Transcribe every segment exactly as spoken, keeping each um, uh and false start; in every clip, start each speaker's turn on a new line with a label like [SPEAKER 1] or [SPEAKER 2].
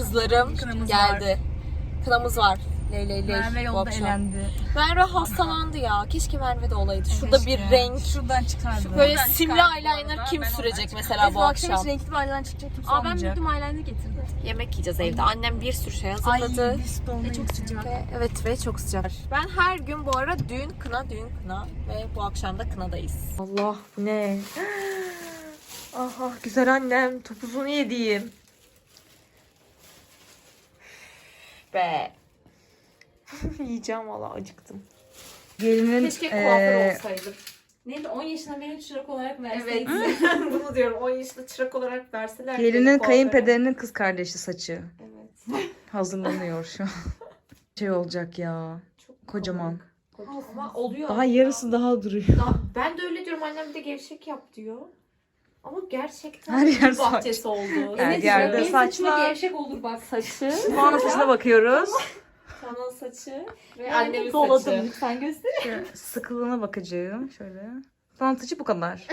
[SPEAKER 1] kızlarım
[SPEAKER 2] Kınamız
[SPEAKER 1] geldi.
[SPEAKER 2] var.
[SPEAKER 1] Kınamız var. Ley ley ley.
[SPEAKER 2] Merve
[SPEAKER 1] bu
[SPEAKER 2] yolda
[SPEAKER 1] akşam.
[SPEAKER 2] elendi.
[SPEAKER 1] Merve hastalandı ya. Keşke Merve de olaydı. Şurada
[SPEAKER 2] Keşke.
[SPEAKER 1] bir renk.
[SPEAKER 2] Şuradan çıkardı.
[SPEAKER 1] Böyle
[SPEAKER 2] Şuradan
[SPEAKER 1] simli
[SPEAKER 2] çıkardı bu
[SPEAKER 1] eyeliner
[SPEAKER 2] arada.
[SPEAKER 1] kim
[SPEAKER 2] Ben
[SPEAKER 1] sürecek
[SPEAKER 2] ondan
[SPEAKER 1] mesela
[SPEAKER 2] Biz
[SPEAKER 1] bu
[SPEAKER 2] bu akşam
[SPEAKER 1] akşam?
[SPEAKER 2] hiç renkli bir eyeliner çıkacak kimse
[SPEAKER 3] Aa ben
[SPEAKER 2] olmayacak.
[SPEAKER 3] bütün eyeliner getirdim.
[SPEAKER 1] Yemek yiyeceğiz evde. Annem bir sürü şey
[SPEAKER 2] Ay
[SPEAKER 1] hazırladı.
[SPEAKER 2] biz de
[SPEAKER 3] Ve çok sıcak.
[SPEAKER 1] Ve, evet ve çok sıcak. Ben her gün bu ara düğün kına düğün kına ve bu akşam da kınadayız. Allah bu ne? Aha güzel annem topuzunu yediğim. Be. Yiyeceğim valla acıktım.
[SPEAKER 2] Gelinin
[SPEAKER 1] Keşke kuaför
[SPEAKER 2] eee,
[SPEAKER 1] olsaydım.
[SPEAKER 3] Neydi on yaşında beni çırak olarak
[SPEAKER 1] Evet.
[SPEAKER 3] verseydin.
[SPEAKER 1] Bunu diyorum. on yaşında çırak olarak verseler.
[SPEAKER 2] gelinin
[SPEAKER 1] kuaföre-
[SPEAKER 2] kayınpederinin kız kardeşi saçı.
[SPEAKER 1] Evet.
[SPEAKER 2] Hazırlanıyor şu an. Şey olacak ya.
[SPEAKER 1] Çok
[SPEAKER 2] Kocaman.
[SPEAKER 1] komik. Ama oluyor.
[SPEAKER 2] Daha yarısı daha duruyor.
[SPEAKER 1] Daha- ben de öyle diyorum. Annem bir de gevşek yap diyor. Ama gerçekten
[SPEAKER 2] Her yer
[SPEAKER 1] bir
[SPEAKER 2] saç.
[SPEAKER 1] bahçesi oldu.
[SPEAKER 2] Her
[SPEAKER 3] Evet,
[SPEAKER 2] yerde
[SPEAKER 3] benim
[SPEAKER 2] saç
[SPEAKER 3] saçıma
[SPEAKER 2] var.
[SPEAKER 3] gevşek olur bak.
[SPEAKER 1] Saçı,
[SPEAKER 2] Puanın saçına bakıyoruz.
[SPEAKER 1] kanal saçı ve
[SPEAKER 3] Yani
[SPEAKER 1] annemin
[SPEAKER 3] doladım.
[SPEAKER 1] saçı.
[SPEAKER 3] Lütfen göster.
[SPEAKER 2] Şöyle sıkılığına bakacağım. Şöyle. Puanın saçı bu kadar.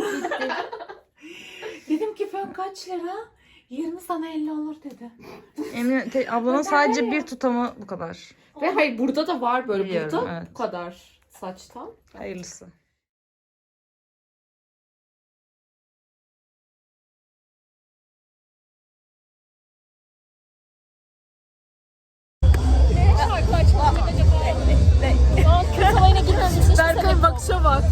[SPEAKER 3] Dedim ki fön kaç lira? yirmi sana elli olur dedi.
[SPEAKER 2] Emine te- ablanın sadece bir tutamı bu kadar.
[SPEAKER 1] Ve hayır burada da var böyle
[SPEAKER 2] Biliyorum,
[SPEAKER 1] burada
[SPEAKER 2] evet.
[SPEAKER 1] bu kadar saçtan.
[SPEAKER 2] Hayırlısı.
[SPEAKER 1] Berkay'ın bakışa bak.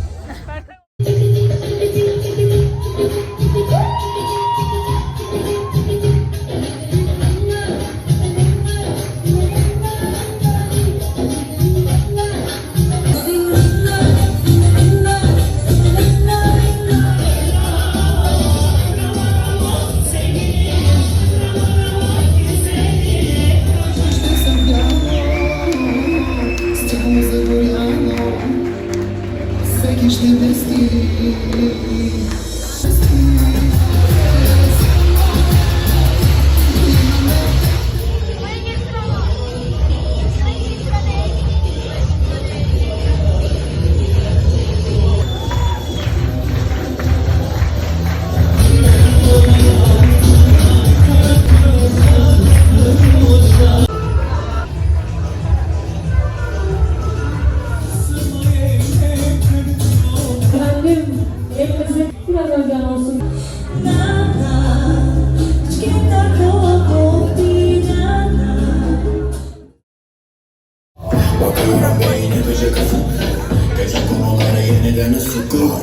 [SPEAKER 4] Bakıyorum beyni gıcı kızım. Gece konuları yeniden ısıtıyor.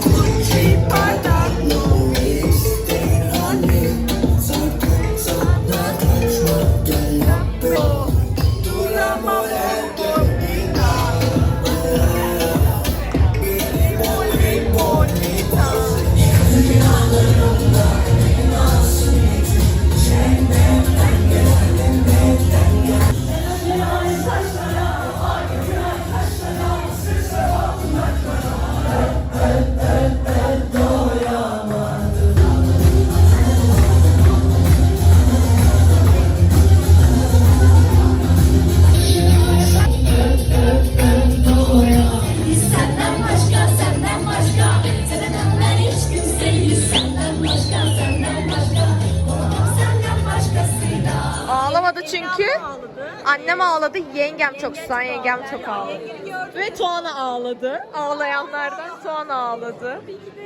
[SPEAKER 5] Senden başka, senden başka, senden ben hiç kimseyi senden başka, senden başka, senden başkasıyla.
[SPEAKER 1] Ağlamadı çünkü. Annem ağladı, yengem çok susan, yengem çok ağladı. Ve Tuana ağladı. Ağlayanlardan Tuana ağladı.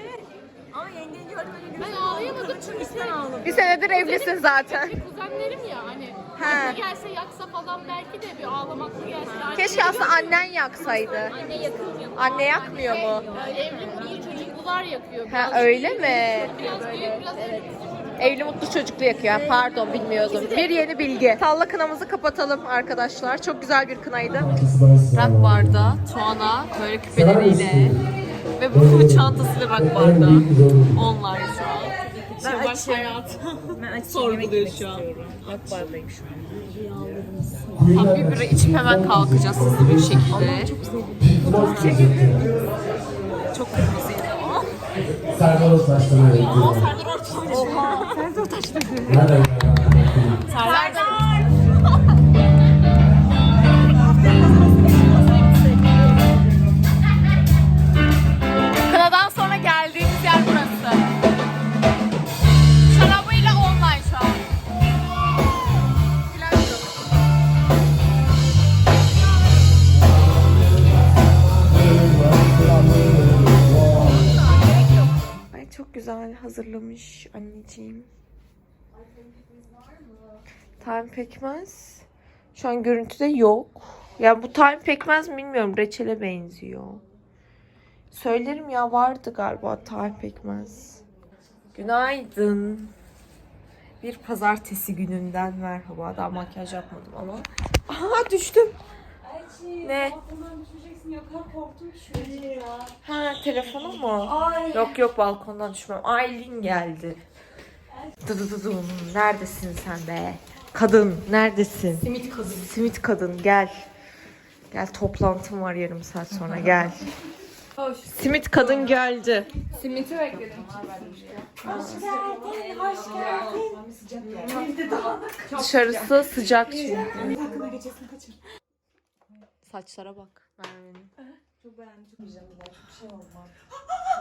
[SPEAKER 3] Ben ağlayamadım çünkü sen ağladın.
[SPEAKER 1] Bir senedir evlisin zaten.
[SPEAKER 3] Kuzenlerim ya hani.
[SPEAKER 1] He.
[SPEAKER 3] Aklı gelse yaksa falan belki de bir ağlamaklı gelse. Anne-
[SPEAKER 1] Keşke aslında annen yaksaydı.
[SPEAKER 3] Anne yakıyor.
[SPEAKER 1] Anne yakmıyor mu?
[SPEAKER 3] Evli mutlu çocuklular yakıyor.
[SPEAKER 1] Ha
[SPEAKER 3] Biraz
[SPEAKER 1] öyle
[SPEAKER 3] büyük,
[SPEAKER 1] mi?
[SPEAKER 3] Biraz büyük, biraz evet.
[SPEAKER 1] Evli mutlu çocuklu yakıyor. Pardon bilmiyordum. Bir yeni bilgi. Salla kınamızı kapatalım arkadaşlar. Çok güzel bir kınaydı. Rock barda Tuana böyle küpeleriyle ve bu çantasıyla rock barda. Onlar şu an. Şevval hayat sorguluyor şu an.
[SPEAKER 2] Akbardayım şu an.
[SPEAKER 1] Tam bir bira içip hemen kalkacağız hızlı bir şekilde. Çok kırmızıydı ama.
[SPEAKER 6] Serdar Ortaç'tan öğrendim.
[SPEAKER 1] Aa Serdar Ortaç. Oha Serdar Ortaç dedi.
[SPEAKER 6] Nereden?
[SPEAKER 1] Serdar. Kınadan sonra geldiğimiz yer burası. Şarabıyla online şu an. hazırlamış anneciğim. Time pekmez. Şu an görüntüde yok. Ya bu time pekmez mi bilmiyorum. Reçele benziyor. Söylerim ya, vardı galiba time pekmez. Günaydın. Bir pazartesi gününden merhaba. Daha makyaj yapmadım ama. Aha düştüm. Ne? Ha, telefonum mu? Yok yok, balkondan düşmem. Aylin geldi. Dıdıdıdım. Neredesin sen be? Kadın neredesin? Simit kadın. Simit kadın gel. Gel, toplantım var yarım saat sonra, gel. Simit kadın geldi.
[SPEAKER 3] Simiti bekledim.
[SPEAKER 1] Dışarısı sıcak çünkü. Saçlara bak Merve'nin.
[SPEAKER 2] Çok beğendim. Çok güzel. Çok şey olmaz.